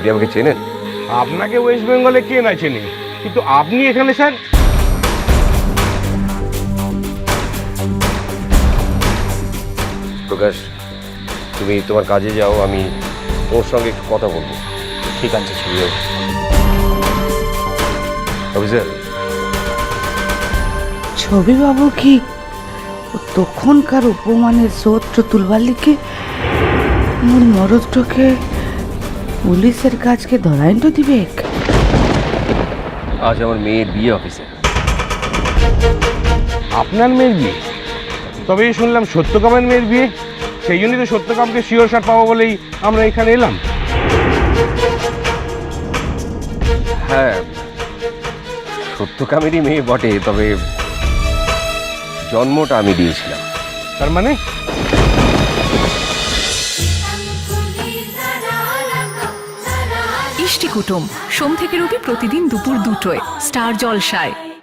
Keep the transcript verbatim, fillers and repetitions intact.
আপনি আমাকে চেনেন? আপনাকে ওয়েস্ট বেঙ্গলে কে না চেনে, কিন্তু আপনি এখানে স্যার? প্রকাশ, তুমি তোমার কাজে যাও, আমি ওর সঙ্গে একটু কথা বলবো। ঠিক আছে ছবি। অফিসার, ছবি বাবু কি তখনকার উপমানের সূত্র তুলবার লিখে মোর মরদটাকে পুলিশের কাজকে ধরাইন তো দিবে? আজ আমার মেয়ের বিয়ে অফিসে। আপনার মেয়ের বিয়ে? তবে এই শুনলাম সত্যকামের মেয়ের বিয়ে, সেই জন্যই তো সত্যকামকে শিওর শার্ট পাবো বলেই আমরা এখানে এলাম। হ্যাঁ, সত্যকামেরই মেয়ে বটে, তবে জন্মটা আমি দিয়েছিলাম। তার মানে ইষ্টি কুটুম সোম থেকে রবি প্রতিদিন দুপুর দুটোয় স্টার জলসায়।